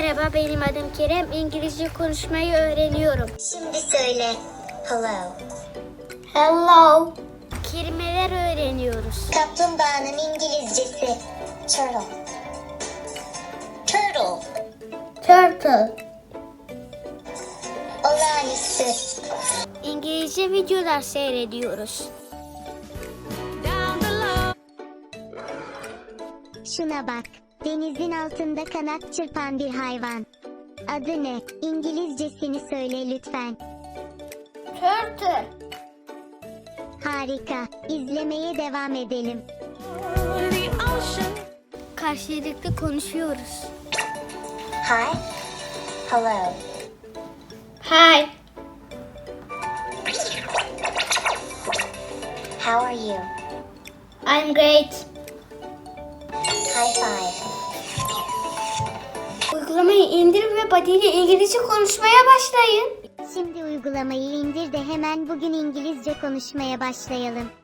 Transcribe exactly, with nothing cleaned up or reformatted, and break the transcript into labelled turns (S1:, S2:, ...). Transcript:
S1: Merhaba, benim adım Kerem. İngilizce konuşmayı öğreniyorum.
S2: Şimdi söyle. Hello.
S1: Hello. Kelimeler öğreniyoruz.
S2: Kaplumbağanın İngilizcesi. Turtle. Turtle.
S1: Turtle.
S2: Olağanüstü.
S1: İngilizce videolar seyrediyoruz.
S2: Şuna bak. Denizin altında kanat çırpan bir hayvan. Adı ne? İngilizcesini söyle lütfen.
S1: Turtle.
S2: Harika. İzlemeye devam edelim.
S1: Karşılıklı konuşuyoruz.
S2: Hi. Hello.
S1: Hi.
S2: How are you?
S1: I'm great.
S2: High five.
S1: Uygulamayı indir ve Buddy ile İngilizce konuşmaya başlayın.
S2: Şimdi uygulamayı indir de hemen bugün İngilizce konuşmaya başlayalım.